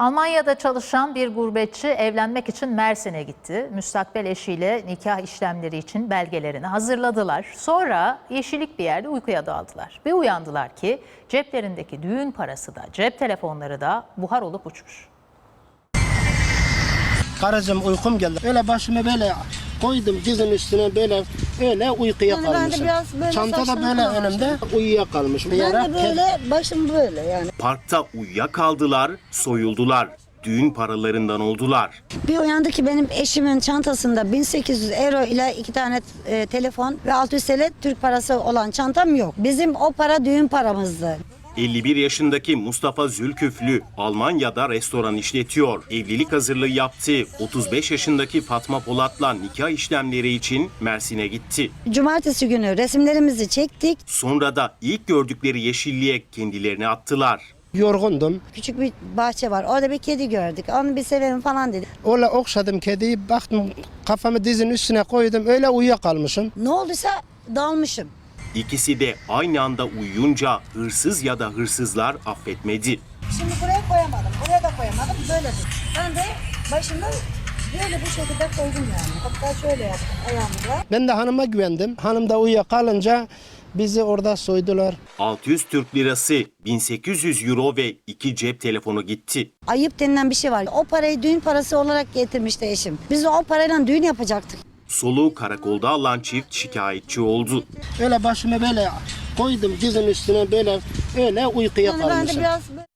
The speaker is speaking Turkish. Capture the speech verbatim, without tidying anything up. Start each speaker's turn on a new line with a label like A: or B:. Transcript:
A: Almanya'da çalışan bir gurbetçi evlenmek için Mersin'e gitti. Müstakbel eşiyle nikah işlemleri için belgelerini hazırladılar. Sonra yeşillik bir yerde uykuya daldılar. Bir uyandılar ki ceplerindeki düğün parası da cep telefonları da buhar olup uçmuş.
B: Karıcığım uykum geldi. Öyle başımı böyle koydum dizin üstüne böyle öyle uykuya
C: Yani ben de
B: kalmışım.
C: biraz böyle
B: Çanta da
C: saçlarım
B: böyle
C: kalmıştı.
B: önümde uyuyakalmışım. Bir
C: Ben
B: yere
C: de böyle başım böyle yani.
D: Parkta uyuyakaldılar, soyuldular. Düğün paralarından oldular.
C: Bir uyandı ki benim eşimin çantasında bin sekiz yüz euro ile iki tane e, telefon ve altı yüz TL Türk parası olan çantam yok. Bizim o para düğün paramızdı.
D: elli bir yaşındaki Mustafa Zülküflü Almanya'da restoran işletiyor. Evlilik hazırlığı yaptı. otuz beş yaşındaki Fatma Polat'la nikah işlemleri için Mersin'e gitti.
C: Cumartesi günü resimlerimizi çektik.
D: Sonra da ilk gördükleri yeşilliğe kendilerini attılar.
B: yorgundum.
C: Küçük bir bahçe var. Orada bir kedi gördük. Onu bir sevelim falan dedi.
B: Öyle okşadım kediyi, baktım kafamı dizin üstüne koydum öyle uyuyakalmışım.
C: Ne olduysa dalmışım.
D: İkisi de aynı anda uyuyunca hırsız ya da hırsızlar affetmedi.
C: Şimdi buraya koyamadım. Buraya da koyamadım. Böyle dur. Ben de başımı böyle bu şekilde koydum yani. Hatta şöyle yaptım ayağımla.
B: Ben de hanıma güvendim. Hanım da uyuyakalınca bizi orada soydular.
D: altı yüz Türk lirası, bin sekiz yüz euro ve iki cep telefonu gitti.
C: Ayıp denilen bir şey var. O parayı düğün parası olarak getirmişti eşim. Biz de o parayla düğün yapacaktık.
D: Soluğu karakolda alan çift şikayetçi oldu.
B: Öyle başımı böyle koydum dizin üstüne böyle öyle uykuya
C: Yani ben de
B: kalmışım.
C: biraz